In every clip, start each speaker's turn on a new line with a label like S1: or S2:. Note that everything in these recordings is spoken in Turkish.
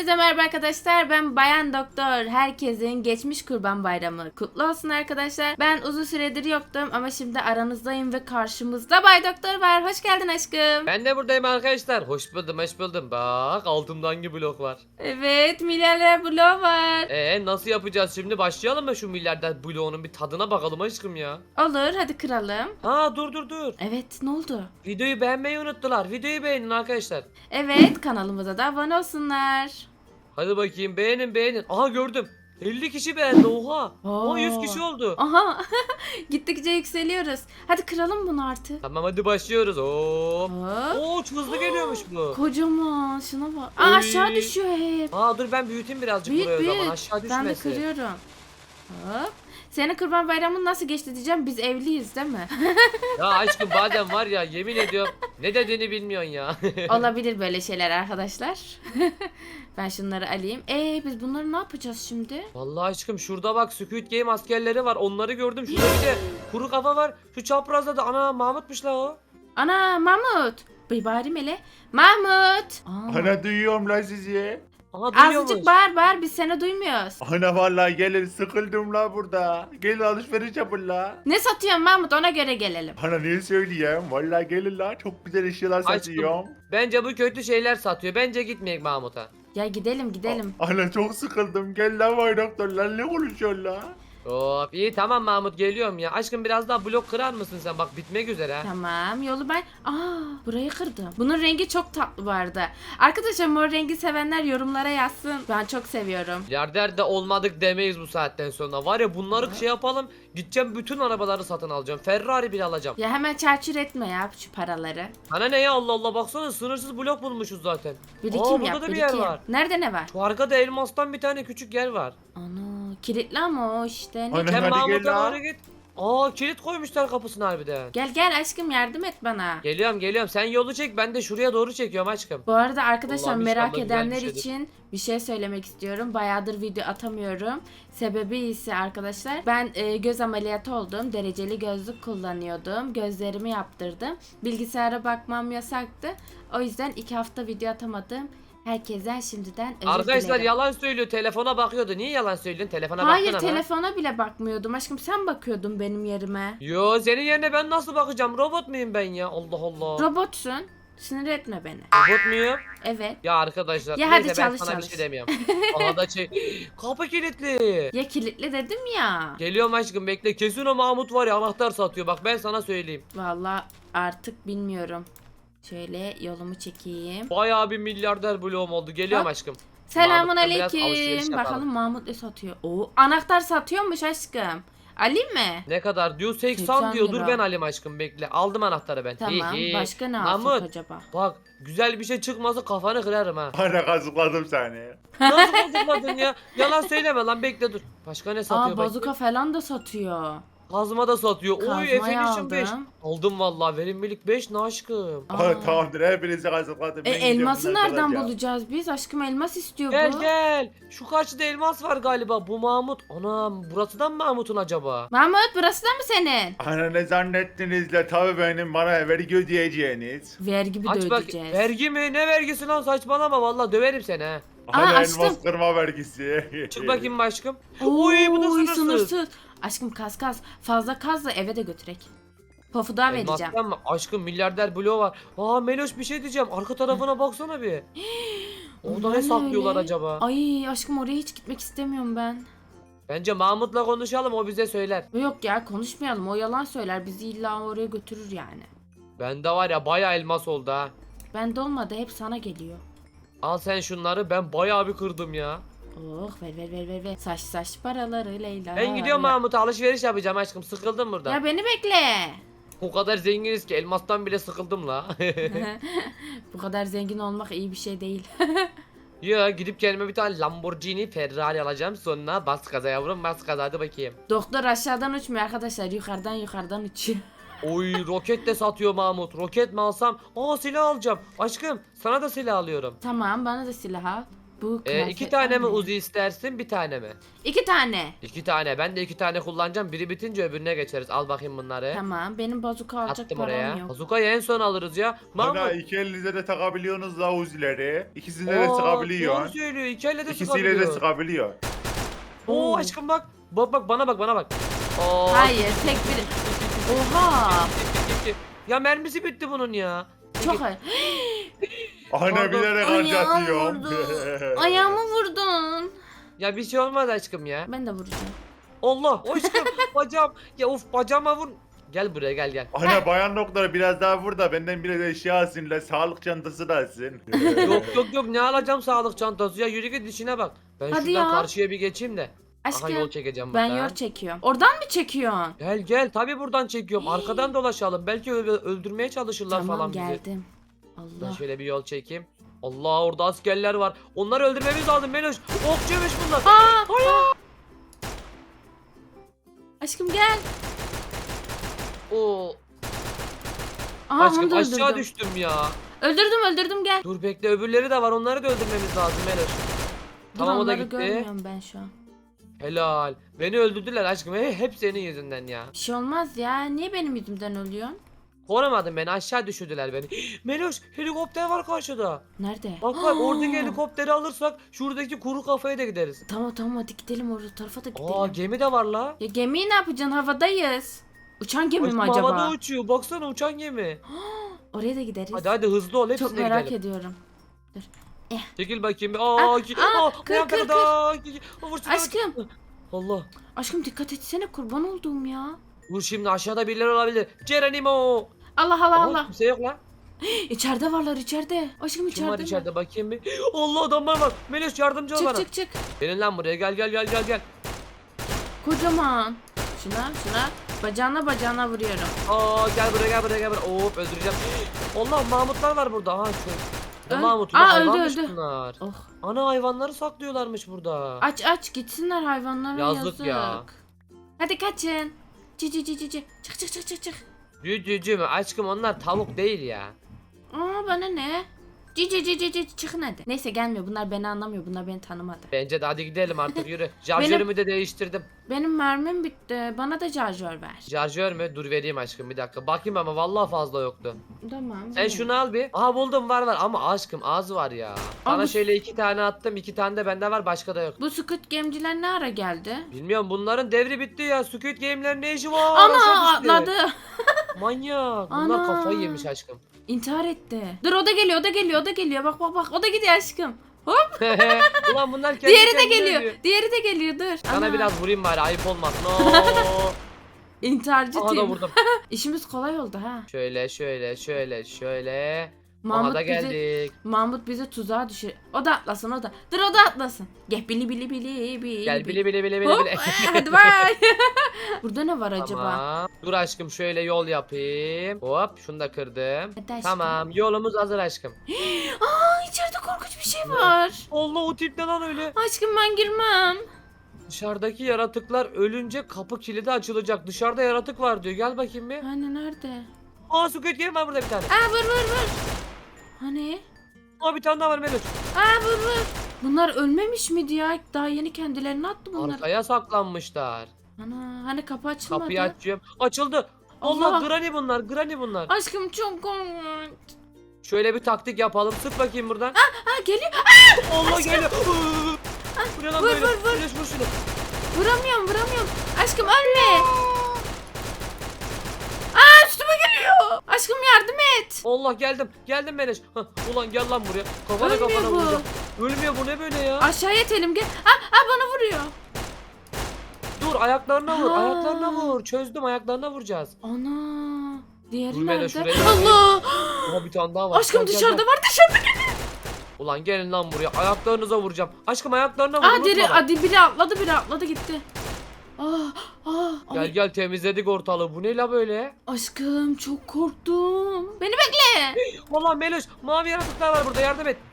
S1: Herkese merhaba arkadaşlar. Ben Bayan Doktor. Herkesin geçmiş Kurban Bayramı kutlu olsun arkadaşlar. Ben uzun süredir yoktum ama şimdi aranızdayım ve karşımızda Bay Doktor var. Hoş geldin aşkım.
S2: Ben de buradayım arkadaşlar. Hoş buldum, hoş buldum. Bak altımda hangi blok var?
S1: Evet, milyarder bloğu var.
S2: Nasıl yapacağız şimdi? Başlayalım mı şu milyarder bloğunun bir tadına bakalım aşkım ya.
S1: Olur, hadi kıralım.
S2: Dur.
S1: Evet, ne oldu?
S2: Videoyu beğenmeyi unuttular. Videoyu beğenin arkadaşlar.
S1: Evet, kanalımıza da abone olsunlar.
S2: Hadi bakayım beğenin. Aha gördüm. 50 kişi beğendi oha.
S1: Oo.
S2: 100 kişi oldu.
S1: Aha, gittikçe yükseliyoruz. Hadi kıralım bunu artık.
S2: Tamam hadi başlıyoruz. Hop.
S1: Hop.
S2: Oo çok hızlı geliyormuş bu.
S1: Kocaman, şuna bak. Aa,
S2: Oy.
S1: aşağı düşüyor hep.
S2: Dur ben büyüteyim birazcık
S1: Büyük
S2: buraya o zaman
S1: büyük.
S2: aşağı
S1: Ben de
S2: düşmesin.
S1: kırıyorum. Hop. Senin Kurban Bayramın nasıl geçti diyeceğim. Biz evliyiz değil mi?
S2: Ya aşkım bazen var ya yemin ediyorum ne dediğini bilmiyorsun ya.
S1: Olabilir böyle şeyler arkadaşlar. Ben şunları alayım. Biz bunları ne yapacağız şimdi?
S2: Vallahi aşkım şurada bak Squid Game askerleri var. Onları gördüm. Şurada bir de kuru kafa var. Şu çaprazda da ana Mahmut'muş la o.
S1: Ana Mahmut. Bir bağırayım hele. Mahmut. Aa,
S3: Ana duyuyorum la sizi.
S2: Aha duyuyormuş.
S1: azıcık bağır biz seni duymuyoruz.
S3: Ana vallahi gelin sıkıldım la burada. Gelin alışveriş yapın la.
S1: Ne satıyorsun Mahmut, ona göre gelelim.
S3: Ana ne söyleyeyim? Vallahi gelin la, çok güzel eşyalar
S2: Aşkım.
S3: satıyorum.
S2: Bence bu kötü şeyler satıyor. Bence gitmeyek Mahmut'a.
S1: Ya gidelim.
S3: Ana çok sıkıldım. Gel la Bay Doktor la, ne konuşuyorsun la?
S2: Hop iyi tamam Mahmut geliyorum ya. Aşkım biraz daha blok kırar mısın sen? Bak bitmek üzere ha.
S1: Tamam, yolu ben... burayı kırdım. Bunun rengi çok tatlı bu arada. Arkadaşlar mor rengi sevenler yorumlara yazsın. Ben çok seviyorum.
S2: Milyarder de olmadık demeyiz bu saatten sonra. Var ya bunları şey yapalım. Gideceğim bütün arabaları satın alacağım. Ferrari bile alacağım.
S1: Ya hemen çarçur etme ya şu paraları.
S2: Sana ne ya Allah Allah baksana sınırsız blok bulmuşuz zaten.
S1: Birikim
S2: burada
S1: yap,
S2: da bir
S1: birikim.
S2: yer var.
S1: Nerede ne var?
S2: Şu arkada elmastan bir tane küçük yer var.
S1: Ana, kilitli ama o işte. Ne?
S3: Ana.
S2: Sen
S3: hadi
S2: Mahmut'a
S3: gel la.
S2: doğru git. Kilit koymuşlar kapısına harbiden.
S1: Gel aşkım, yardım et bana.
S2: Geliyorum. Sen yolu çek ben de şuraya doğru çekiyorum aşkım.
S1: Bu arada arkadaşlar
S2: Allah'ım
S1: merak
S2: inşallah güzel bir
S1: edenler
S2: şeydir.
S1: için bir şey söylemek istiyorum. Bayağıdır video atamıyorum. Sebebi ise arkadaşlar ben göz ameliyatı oldum. Dereceli gözlük kullanıyordum. Gözlerimi yaptırdım. Bilgisayara bakmam yasaktı. O yüzden 2 hafta video atamadım. Herkesten şimdiden özür
S2: Arkadaşlar
S1: dilerim.
S2: yalan söylüyor. Telefona bakıyordu. Niye yalan söylüyorsun? Telefona
S1: Hayır,
S2: baktın ama.
S1: telefona bile bakmıyordum aşkım, sen bakıyordun benim yerime.
S2: Yo senin yerine ben nasıl bakacağım? Robot muyum ben ya? Allah Allah.
S1: Robotsun. Sinir etme beni.
S2: Robot muyum?
S1: Evet.
S2: Ya arkadaşlar.
S1: Ya
S2: neyse
S1: hadi
S2: ben
S1: çalış,
S2: sana bir
S1: çalış.
S2: şey demiyorum. Aha da kapı kilitli.
S1: Ya kilitli dedim ya.
S2: Geliyorum aşkım bekle. Kesin o Mahmut var ya anahtar satıyor. Bak ben sana söyleyeyim.
S1: Vallahi artık bilmiyorum. Şöyle yolumu çekeyim.
S2: Bayağı bir milyarder bloğum oldu. Geliyorum
S1: Hop.
S2: aşkım.
S1: Selamun
S2: Mahmut'la biraz alışveriş
S1: aleyküm.
S2: yapalım.
S1: Bakalım Mahmut ne satıyor? Oo, anahtar satıyormuş aşkım. Alayım mı?
S2: Ne kadar diyor? 80
S1: 80
S2: diyor. Dur
S1: lira.
S2: ben alayım aşkım bekle. Aldım anahtarı ben.
S1: Tamam.
S2: Hi hi.
S1: Başka ne alsak
S2: Mahmut
S1: acaba?
S2: bak güzel bir şey çıkmasa kafanı kırarım ha.
S3: Ana kazıkladım seni.
S2: Nasıl bozukladın ya? Yalan söyleme lan bekle dur. Başka ne satıyor
S1: Aa,
S2: bakayım?
S1: bazuka falan da satıyor.
S2: Kazma da satıyor. Oy
S1: Kazmayı
S2: Efendim 5.
S1: aldım.
S2: Aldım vallahi verimlilik 5 ne aşkım.
S1: Aa.
S3: Ana tamamdır, hepinizi kazıkladım. Ben gidiyorum,
S1: Elması
S3: bunları
S1: nereden
S3: çalacağım.
S1: bulacağız biz? Aşkım elmas istiyor
S2: Gel
S1: bu.
S2: gel. Şu karşıda elmas var galiba. Bu Mahmut. Anam burasıdan mı Mahmut'un acaba?
S1: Mahmut, burası da mı senin?
S3: Ana ne zannettiniz la, tabi benim, bana vergi ödeyeceğiniz.
S1: Vergi bir de
S2: Aç bak.
S1: ödeyeceğiz.
S2: Vergi mi? Ne vergisi lan saçmalama vallahi döverim seni ha.
S3: Ana
S1: açtım.
S3: elmas kırma vergisi.
S2: Çık bakayım aşkım.
S1: Oo,
S2: Oy bu da sınırsız.
S1: Aşkım kaz. Fazla kaz da eve de götürek. Pofu daha vereceğim.
S2: Elmastan mı? Aşkım milyarder bloğu var. Meloş bir şey diyeceğim. Arka tarafına baksana bir. Orada
S1: Onlar
S2: ne
S1: ne
S2: saklıyorlar
S1: öyle?
S2: acaba?
S1: Ay aşkım, oraya hiç gitmek istemiyorum ben.
S2: Bence Mahmut'la konuşalım o bize söyler.
S1: Yok ya, konuşmayalım, o yalan söyler, bizi illa oraya götürür yani.
S2: Bende var ya bayağı elmas oldu ha.
S1: Bende olmadı, hep sana geliyor.
S2: Al sen şunları ben bayağı bir kırdım ya.
S1: Oh, ver. Saç paraları Leyla.
S2: Ben gidiyorum
S1: ya.
S2: Mahmut'a alışveriş yapacağım aşkım sıkıldım burada.
S1: Ya beni bekle.
S2: O kadar zenginiz ki elmastan bile sıkıldım la.
S1: Bu kadar zengin olmak iyi bir şey değil.
S2: Ya gidip kendime bir tane Lamborghini Ferrari alacağım sonra bas gaza yavrum bas gaza hadi bakayım.
S1: Doktor aşağıdan uçmuyor arkadaşlar, yukarıdan uçuyor.
S2: Oy roket de satıyor Mahmut. Roket mi alsam? Silah alacağım. Aşkım sana da silah alıyorum.
S1: Tamam, bana da silah al. Bu
S2: İki
S1: kıyafetler
S2: tane mi
S1: ne?
S2: Uzi istersin, bir tane mi?
S1: 2 tane.
S2: 2 tane. Ben de 2 tane kullanacağım. Biri bitince öbürüne geçeriz. Al bakayım bunları.
S1: Tamam. Benim bazuka alacak
S2: Attım
S1: param
S2: oraya.
S1: yok.
S2: Bazukayı en son alırız ya.
S3: Ana
S2: Mahmut.
S3: iki elinize de takabiliyorsunuz la uzileri. İkisine de
S2: Doğru
S3: sıkabiliyorsun.
S2: söylüyor. İki elle de
S3: İkisiyle de
S2: sıkabiliyor.
S3: sıkabiliyor.
S2: Oo
S1: Oo.
S2: aşkım bak. Bak bana bak. Oo.
S1: Hayır, tek biri. Oha!
S2: Ya mermisi bitti bunun ya.
S1: Çok ay.
S3: Ana
S2: Pardon.
S3: bilerek
S1: Ayağım
S3: harcatıyorum.
S1: vurdu. Ayağımı vurdun.
S2: Ya bir şey olmaz aşkım ya.
S1: Ben de vuracağım.
S2: Allah aşkım bacağım. Ya of bacağıma vur. Gel buraya gel.
S3: Ana bayan doktor biraz daha vur da benden biraz eşya alsın la sağlık çantası da alsın.
S2: Yok ne alacağım sağlık çantası ya yürü git işine bak. Ben
S1: Hadi
S2: şuradan
S1: ya.
S2: karşıya bir geçeyim de. Aha
S1: Aşkım
S2: yol çekeceğim
S1: ben
S2: buradan.
S1: yol çekiyorum. Oradan mı çekiyorsun?
S2: Gel tabi buradan çekiyorum. Arkadan dolaşalım. Belki öldürmeye çalışırlar
S1: Tamam
S2: falan bizi.
S1: geldim.
S2: Ben
S1: Allah.
S2: şöyle bir yol çekeyim. Allah orada askerler var. Onları öldürmemiz lazım Meloş. Okçuymuş bunlar.
S1: Aşkım gel.
S2: Oo.
S1: Aha
S2: Aşkım
S1: onu da
S2: aşağı
S1: öldürdüm.
S2: düştüm ya.
S1: Öldürdüm gel.
S2: Dur bekle öbürleri de var. Onları da öldürmemiz lazım Meloş.
S1: Dur,
S2: Tamam o da
S1: onları
S2: gitti.
S1: görmüyorum ben şu an.
S2: Helal. Beni öldürdüler aşkım. Hep senin yüzünden ya.
S1: Bir şey olmaz ya. Niye benim yüzümden ölüyorsun?
S2: Korumadın beni aşağı düşürdüler beni. Meloş helikopter var karşıda.
S1: Nerede?
S2: Bak oradaki helikopteri alırsak şuradaki kuru kafaya da gideriz.
S1: Tamam hadi gidelim orada tarafa da gidelim.
S2: Aa gemi de var la.
S1: Ya gemiyi ne yapacaksın? Havadayız. Uçan gemi mi
S2: Aşkım
S1: acaba?
S2: havada uçuyor. Baksana uçan gemi.
S1: Oraya da gideriz.
S2: Hadi hızlı ol hepsine
S1: Çok merak
S2: gidelim.
S1: ediyorum.
S2: Çekil bakayım bir.
S1: kır,
S2: ayağım
S1: kır,
S2: takıldı. Vur şunu.
S1: Aşkım.
S2: Allah.
S1: Aşkım dikkat etsene kurban olduğum ya.
S2: Vur şimdi aşağıda birileri olabilir. Geronimo.
S1: Allah
S2: Aha, kimse yok lan.
S1: İçeride varlar içeride. Aşkım
S2: Kim var
S1: içeride.
S2: içeride bakayım bir. Allah adamlar var. Meloş yardımcı ol bana.
S1: Çık.
S2: Gelin lan buraya gel.
S1: Kocaman. Şuna. Bacağına vuruyorum.
S2: Gel buraya. Hop öldüreceğim. Allah Mahmutlar var burada. Aha şu. Ne
S1: Öl-
S2: Mahmut'u?
S1: Aa,
S2: Hayvanmış
S1: öldü.
S2: bunlar.
S1: Oh.
S2: Ana hayvanları saklıyorlarmış burada.
S1: Aç gitsinler hayvanlara yazık.
S2: Yazık ya.
S1: Hadi kaçın. Cici. Çık.
S2: Cücücü mü? Aşkım onlar tavuk değil ya.
S1: Aa bana ne? Cici çıkın hadi. Neyse gelmiyor bunlar beni anlamıyor bunlar beni tanımadı.
S2: Bence de hadi gidelim artık yürü. Şarjörümü de değiştirdim.
S1: Benim mermim bitti. Bana da şarjör ver.
S2: Şarjör mü? Dur vereyim aşkım bir dakika. Bakayım ama vallahi fazla yoktu.
S1: Tamam.
S2: Sen şunu al bir. Aha buldum var ama aşkım az var ya. Sana
S1: Ama-
S2: şöyle 2 tane attım. 2 tane de bende var başka da yok.
S1: Bu Squid Game'ciler ne ara geldi?
S2: Bilmiyorum bunların devri bitti ya. Squid Game'lerin ne işi var?
S1: Ana
S2: Aşağı düştü.
S1: atladı.
S2: Manyak. Bunlar
S1: Ana.
S2: kafayı yemiş aşkım.
S1: İntihar etti. Dur o da geliyor. Bak. O da gidiyor aşkım. Hop.
S2: Ulan bunlar kendi
S1: Diğeri de
S2: kendine
S1: geliyor.
S2: ölüyor.
S1: Diğeri de geliyor dur.
S2: Sana
S1: Ana.
S2: biraz vurayım bari ayıp olmasın. Oo.
S1: İntiharcı
S2: Aha da
S1: team.
S2: vurdum.
S1: İşimiz kolay oldu ha.
S2: Şöyle.
S1: Mahmut
S2: Aha da
S1: bizi
S2: geldik.
S1: Mahmut bizi tuzağa düşür. O da atlasın o da. Dur o da atlasın. Gel bili.
S2: Gel bile.
S1: Hop. Hadi bay. Burada ne var acaba?
S2: Tamam. Dur aşkım şöyle yol yapayım. Hop şunu da kırdım.
S1: Hadi aşkım.
S2: Tamam yolumuz hazır aşkım.
S1: Aa içeride korkunç bir şey var.
S2: Allah o tip ne lan öyle?
S1: Aşkım ben girmem.
S2: Dışarıdaki yaratıklar ölünce kapı kilidi açılacak. Dışarıda yaratık var diyor. Gel bakayım bir.
S1: Hani nerede?
S2: Aa Squid Game var burada bir tane.
S1: Aa vur. Hani?
S2: Aa bir tane daha var Meloş.
S1: Aa vur. Bunlar ölmemiş miydi ya? Daha yeni kendilerini attı bunlar.
S2: Arkaya saklanmışlar.
S1: Ana hani kapı açılmadı.
S2: Kapıyı açıyorum. Açıldı.
S1: Allah.
S2: Allah Granny bunlar.
S1: Aşkım çok korkunç.
S2: Şöyle bir taktik yapalım. Sık bakayım buradan.
S1: Aa geliyor.
S2: Allah geliyor. Bu ne lan
S1: Vur,
S2: böyle?
S1: vur.
S2: Meloş vur şunu.
S1: Vuramıyorum. Aşkım ölme. Aa üstüme geliyor. Aşkım yardım et.
S2: Allah geldim Meloş. Hah, ulan gel lan buraya. Kafana
S1: Ölmüyor bu.
S2: vuracağım. Ölmüyor bu ne böyle ya?
S1: Aşağıya itelim gel. Aa bana vuruyor.
S2: Dur ayaklarına vur.
S1: Ha.
S2: Ayaklarına vur. Çözdüm ayaklarına vuracağız.
S1: Ana. Diğeri
S2: Dur Melo,
S1: nerede?
S2: şuraya
S1: Allah.
S2: Aha bir tane daha var.
S1: Aşkım
S2: Gel, gel,
S1: dışarıda
S2: gel.
S1: var dışarıda.
S2: Ulan gelin lan buraya. Ayaklarınıza vuracağım. Aşkım ayaklarına vur.
S1: Aa
S2: unutma
S1: deri
S2: bak.
S1: hadi biri atladı gitti. Ay,
S2: Gel temizledik ortalığı. Bu ne la böyle?
S1: aşkım çok korktum. Beni bekle.
S2: Allah Meloş mavi yaratıklar var burada yardım et.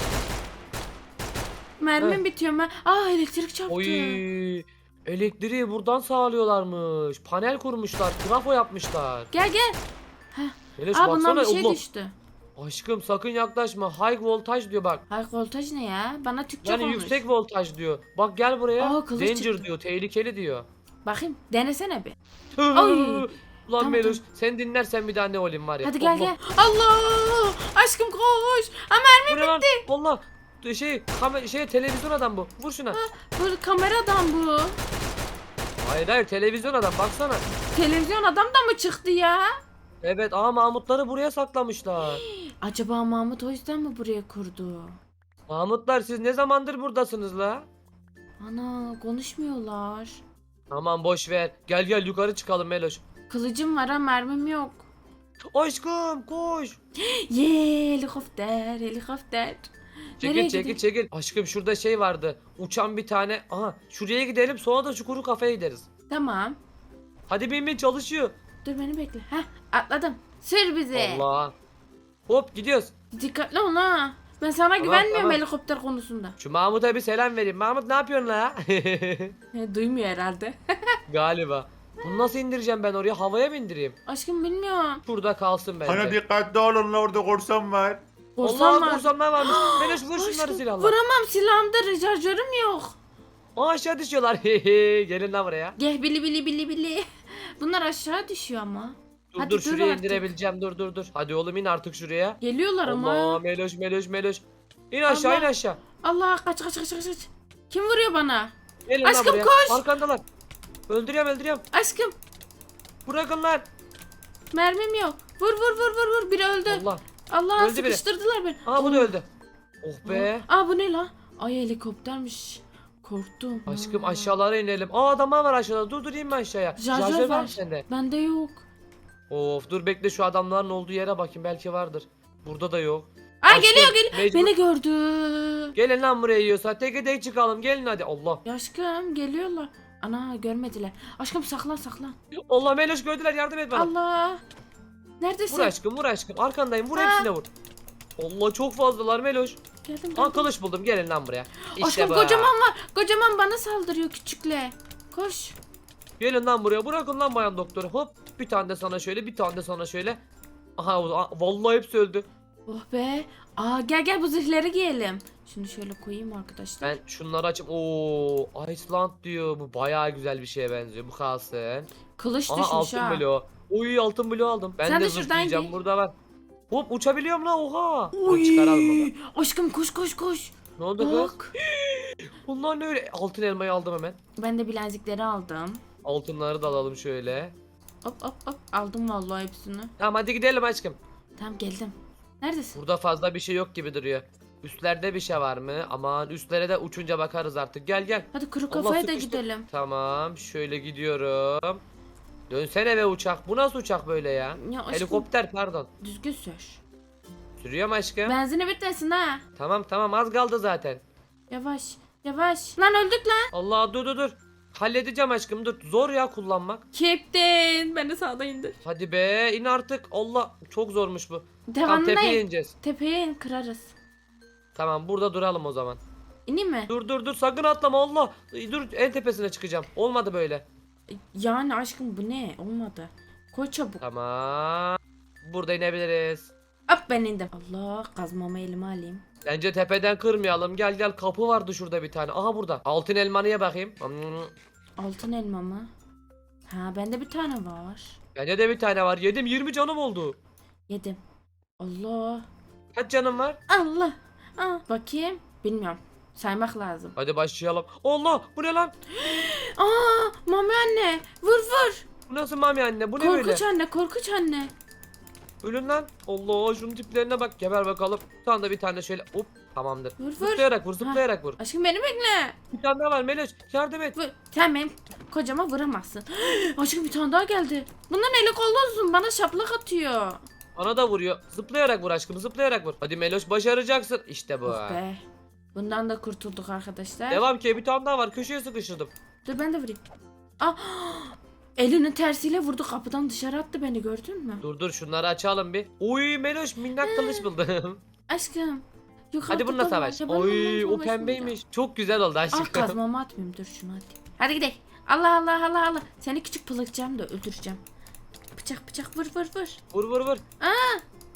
S1: Mermim bitiyor ben. Elektrik çarptı.
S2: Oy. Elektriği buradan sağlıyorlarmış. Panel kurmuşlar. Trafo yapmışlar.
S1: Gel.
S2: Meloş
S1: Bundan
S2: baksana.
S1: bir şey
S2: Allah.
S1: düştü.
S2: Aşkım sakın yaklaşma. High voltage diyor bak.
S1: High voltaj ne ya? Bana Türkçe
S2: Yani
S1: konuş.
S2: yüksek voltaj diyor. Bak gel buraya.
S1: Aa, kılıç
S2: Danger
S1: çıktı.
S2: diyor. Tehlikeli diyor.
S1: Bakayım denesene bir. Ay.
S2: Ulan
S1: Tamam,
S2: Meloş
S1: tamam.
S2: sen dinlersen bir daha ne olayım var ya.
S1: Hadi gel
S2: Allah.
S1: gel. Allah! Aşkım koş. Ama
S2: Bu ne lan? Allah. Televizyon adam bu. Vur şuna.
S1: bu kameradan bu.
S2: Hayır televizyon adam baksana.
S1: Televizyon adam da mı çıktı ya?
S2: Evet Mahmutları buraya saklamışlar.
S1: Acaba Mahmut o yüzden mi buraya kurdu?
S2: Mahmutlar siz ne zamandır buradasınız la?
S1: Ana konuşmuyorlar.
S2: Aman boş ver. Gel yukarı çıkalım Meloş.
S1: Kılıcım var ama mermim yok.
S2: Aşkım koş.
S1: Ye helikopter helikopter. Nereye
S2: Çekil. Aşkım şurada şey vardı. Uçan bir tane. Aha şuraya gidelim sonra da şu kuru kafeye gideriz.
S1: Tamam.
S2: Hadi bin çalışıyor.
S1: Dur beni bekle. Heh atladım. Sür bizi.
S2: Allah. Hop gidiyoruz.
S1: Dikkatli ol ha. Ben sana güvenmiyorum
S2: tamam.
S1: helikopter konusunda.
S2: Şu Mahmut'a bir selam vereyim. Mahmut ne yapıyorsun la?
S1: Duymuyor herhalde.
S2: Galiba. Bunu nasıl indireceğim ben oraya? Havaya mı indireyim?
S1: Aşkım bilmiyorum.
S2: Şurada kalsın bence.
S3: Ana dikkatli olun la orada korsan var.
S1: Korsan
S2: Allah
S1: var.
S2: korsanlar varmış. Meloş vur şunları
S1: Aşkım,
S2: silahla.
S1: vuramam silahımda recharjörüm yok.
S2: Aa, aşağı düşüyorlar. Gelin lan buraya.
S1: Gel bili bili bili bili. Bunlar aşağı düşüyor ama.
S2: Dur
S1: Hadi
S2: dur
S1: dur
S2: şuraya
S1: artık.
S2: indirebileceğim. Dur. Hadi oğlum in artık şuraya.
S1: Geliyorlar
S2: Allah
S1: ama.
S2: Meloş. İn aşağı
S1: Allah.
S2: in aşağı.
S1: Allah kaç. Kim vuruyor bana?
S2: Gelin
S1: Aşkım,
S2: lan buraya.
S1: koş.
S2: Arkandalar. Öldürüyorum.
S1: Aşkım
S2: Bırakın lan.
S1: mermim yok. Vur. Biri öldü.
S2: Allah.
S1: Allah
S2: Öldü biri.
S1: sıkıştırdılar beni.
S2: Aa bu da öldü. Oh be.
S1: Aa bu ne lan? Ay helikoptermiş. Korktum.
S2: Aşkım
S1: Ha.
S2: aşağılara inelim. Aa adamlar var aşağıda. Dur inme aşağıya.
S1: Şarjör
S2: var
S1: var.
S2: mı sende?
S1: Bende yok.
S2: Of dur bekle şu adamların olduğu yere bakayım belki vardır. Burada da yok.
S1: Ay
S2: Aşkım,
S1: geliyor.
S2: mecbur-
S1: Beni gördü.
S2: Gelin lan buraya yiyorsa teke tek çıkalım gelin hadi Allah.
S1: Ya aşkım geliyorlar. Ana görmediler. Aşkım saklan.
S2: Allah Meloş gördüler yardım et bana.
S1: Allah. Neredesin?
S2: Vur aşkım arkandayım vur
S1: Ha.
S2: hepsine vur. Allah çok fazlalar Meloş.
S1: Geldim.
S2: Aa kılıç buldum gelin lan buraya. İşte
S1: Aşkım
S2: bu.
S1: kocaman var. Kocaman bana saldırıyor küçükle. Koş.
S2: Gelin lan buraya bırakın lan bayan doktoru hop. Bir tane de sana şöyle bir tane de sana şöyle. Aha vallahi hepsi öldü.
S1: Oh be. Aa gel bu zırhları giyelim. Şunu şöyle koyayım arkadaşlar.
S2: Ben şunları açayım. Oo Iceland diyor. Bu bayağı güzel bir şeye benziyor. Bu kalsın.
S1: Kılıç
S2: Aha
S1: düşmüş
S2: altın
S1: ha.
S2: bloğu. Oy altın bloğu aldım. Ben
S1: Sen
S2: de
S1: de şuradan
S2: zırhlayacağım
S1: giy.
S2: burada var. Hop uçabiliyorum la oha.
S1: Oy.
S2: Dur çıkaralım bunu.
S1: Aşkım koş.
S2: Ne oldu kız?
S1: Bak.
S2: Bunlar ne öyle? Altın elmayı aldım hemen.
S1: Ben de bilezikleri aldım.
S2: Altınları da alalım şöyle.
S1: Hop. Aldım vallahi hepsini.
S2: Tamam hadi gidelim aşkım.
S1: Tamam geldim. Neredesin?
S2: Burada fazla bir şey yok gibi duruyor. Üstlerde bir şey var mı? Aman üstlere de uçunca bakarız artık. Gel.
S1: Hadi kuru
S2: Allah,
S1: kafaya da
S2: sıkıştı.
S1: gidelim.
S2: Tamam şöyle gidiyorum. Dönsene be uçak. Bu nasıl uçak böyle ya?
S1: Ya aşkım
S2: Helikopter pardon.
S1: düzgün sür.
S2: Sürüyor mu aşkım?
S1: Benzini bitmesin ha.
S2: Tamam az kaldı zaten.
S1: Yavaş. Lan öldük lan.
S2: Allah dur. Halledeceğim aşkım dur. Zor ya kullanmak.
S1: Captain. Beni sağda indir.
S2: Hadi be in artık. Allah çok zormuş bu. Tam
S1: Devamına
S2: tepeye
S1: in.
S2: ineceğiz.
S1: Tepeye in kırarız.
S2: Tamam burada duralım o zaman.
S1: İneyim mi?
S2: Dur sakın atlama Allah. Dur en tepesine çıkacağım. Olmadı böyle.
S1: Yani aşkım bu ne? Olmadı. Koy çabuk.
S2: Tamam. Burada inebiliriz.
S1: Hop ben indim. Allah kazmamı elime alayım.
S2: Bence tepeden kırmayalım. Gel kapı vardı şurada bir tane. Aha burada. Altın elmanıya bakayım.
S1: Altın elma mı? Ha bende bir tane var.
S2: Bende de bir tane var. Yedim 20 canım oldu.
S1: Yedim. Allah.
S2: Kaç canım var?
S1: Allah. Bakayım. Bilmiyorum. Saymak lazım.
S2: Hadi başlayalım. Allah bu ne lan?
S1: Aa mami anne. Vur.
S2: Bu nasıl mami anne? Bu ne böyle?
S1: Korkunç anne.
S2: Ölün lan. Allah şunun tiplerine bak. Geber bakalım. Sonra da bir tane şöyle hop tamamdır.
S1: Vur.
S2: Zıplayarak vur.
S1: Aşkım beni bekle.
S2: Bir tane daha var Meloş. Yardım et.
S1: Vur. Sen benim kocama vuramazsın. Aşkım bir tane daha geldi. Bundan eli kollu uzun. Bana şaplak atıyor.
S2: Bana da vuruyor. Zıplayarak vur aşkım. Zıplayarak vur. Hadi Meloş başaracaksın. İşte bu.
S1: Oh be. Bundan da kurtulduk arkadaşlar.
S2: Devam ki bir tane daha var. Köşeye sıkıştırdım.
S1: Dur ben de vurayım. Ah! Elinin tersiyle vurdu kapıdan dışarı attı beni gördün mü?
S2: Dur şunları açalım bir. Uy Meloş minnak kılıç buldum.
S1: Aşkım. Yukarıda
S2: Hadi bununla
S1: da var.
S2: savaş.
S1: Ya ben
S2: Oy
S1: bununla
S2: o pembeymiş. Çok güzel oldu
S1: savaşmayacağım.
S2: aşkım.
S1: Ah kazmamı atmayayım dur şunu hadi. Hadi gidelim. Allah. Seni küçük pılıkacağım da öldüreceğim. Bıçak vur.
S2: Vur.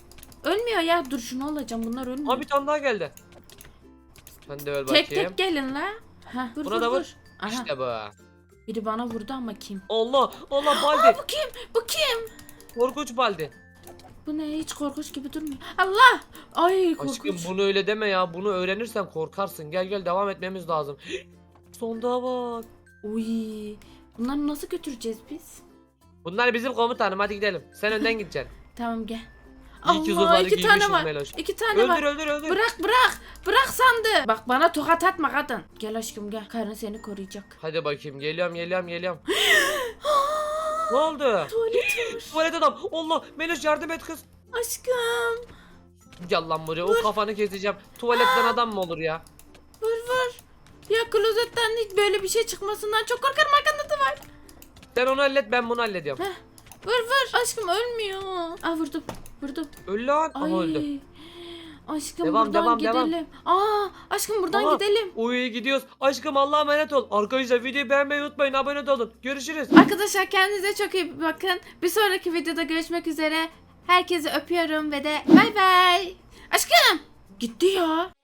S1: Ölmüyor ya. Dur şunu alacağım. Bunlar ölmüyor.
S2: Aa bir tane daha geldi. Sen de öl bakayım.
S1: Tek tek gelin la. Heh, vur
S2: Buna
S1: vur
S2: da vur.
S1: vur. Aha.
S2: İşte bu.
S1: Biri bana vurdu ama kim?
S2: Allah Allah Baldi.
S1: Bu kim? Bu kim?
S2: Korkunç Baldi.
S1: Bu ne? Hiç korkunç gibi durmuyor. Allah! Ay korkunç.
S2: Aşkım bunu öyle deme ya. Bunu öğrenirsen korkarsın. Gel gel devam etmemiz lazım. Sonda bak.
S1: Uy. Bunları nasıl götüreceğiz biz?
S2: Bunlar bizim komutanım. Hadi gidelim. Sen önden gideceksin.
S1: Tamam gel.
S2: İyi ki
S1: Allah
S2: zırhları
S1: 2 tane
S2: giymişiz
S1: var.
S2: Meloş.
S1: 2 tane
S2: Öldür
S1: var.
S2: öldür öldür.
S1: Bırak bırak. Bırak sandı. Bak bana tokat atma kadın. Gel aşkım gel. Karın seni koruyacak.
S2: Hadi bakayım. Geliyorum. Ne oldu?
S1: Tuvalet var.
S2: Tuvalet adam. Allah Meloş yardım et kız.
S1: Aşkım.
S2: Gel lan buraya. O kafanı keseceğim. Tuvaletten adam mı olur ya?
S1: Vur vur. Ya klozetten hiç böyle bir şey çıkmasından çok korkarım, arkanda da var.
S2: Sen onu hallet ben bunu hallediyorum.
S1: Heh. Vur vur. Aşkım ölmüyor. Aa vurdum. Vurdum.
S2: Öl lan. Aha
S1: Ay.
S2: öldü.
S1: Aşkım
S2: Devam,
S1: buradan
S2: devam.
S1: gidelim. Aa aşkım buradan
S2: Aha.
S1: gidelim.
S2: Uy gidiyoruz. Aşkım Allah'a emanet ol. Arkadaşlar videoyu beğenmeyi unutmayın. Abone de olun. Görüşürüz.
S1: Arkadaşlar kendinize çok iyi bakın. Bir sonraki videoda görüşmek üzere. Herkesi öpüyorum ve de bay bay. Aşkım gitti ya.